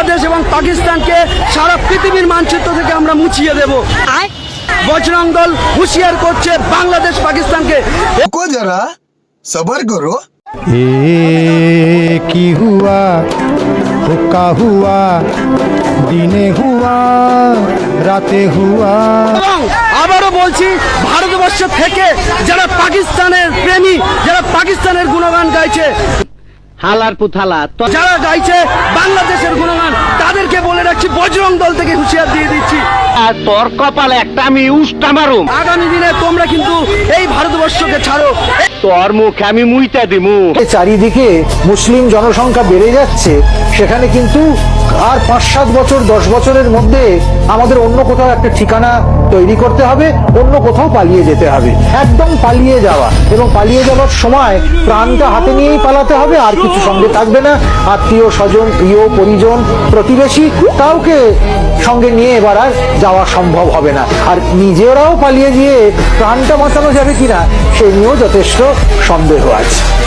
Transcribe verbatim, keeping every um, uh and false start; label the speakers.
Speaker 1: বাংলাদেশ এবং পাকিস্তানকে সারা পৃথিবীর মানচিত্র থেকে আমরা মুছিয়ে দেব। বজরং দল হুঁশিয়ার করছে বাংলাদেশ পাকিস্তানকে,
Speaker 2: रुको जरा सबर करो।
Speaker 3: ए की हुआ हुक्का हुआ दिने हुआ রাতে হুয়া।
Speaker 1: এবং আবারও বলছি, ভারতবর্ষ থেকে যারা পাকিস্তানের প্রেমী, যারা পাকিস্তানের গুণগান গাইছে,
Speaker 4: হালার পুথালা
Speaker 1: যারা গাইছে বাংলাদেশের গুণগান, তাদেরকে বলে রাখছি, বজরং দল থেকে হুঁশিয়ার দিয়ে দিচ্ছি,
Speaker 4: তোর কপালে একটা আমি উষ্টা মারুম।
Speaker 1: আগামী দিনে তোমরা কিন্তু এই ভারতবর্ষকে ছাড়ো,
Speaker 4: তোর মুখে আমি মুইতা দিমু।
Speaker 5: চারিদিকে মুসলিম জনসংখ্যা বেড়ে যাচ্ছে, সেখানে কিন্তু আর পাঁচ সাত বছর দশ বছরের মধ্যে আমাদের অন্য কোথাও একটা ঠিকানা তৈরি করতে হবে, অন্য কোথাও পালিয়ে যেতে হবে। একদম পালিয়ে যাওয়া, এবং পালিয়ে যাওয়ার সময় প্রাণটা হাতে নিয়েই পালাতে হবে, আর কিছু সঙ্গে থাকবে না। আত্মীয় স্বজন, প্রিয় পরিজন, প্রতিবেশী কাউকে সঙ্গে নিয়ে এবার আর যাওয়া সম্ভব হবে না। আর নিজেরাও পালিয়ে গিয়ে প্রাণটা বাঁচানো যাবে কিনা সে নিয়েও যথেষ্ট সন্দেহ আছে।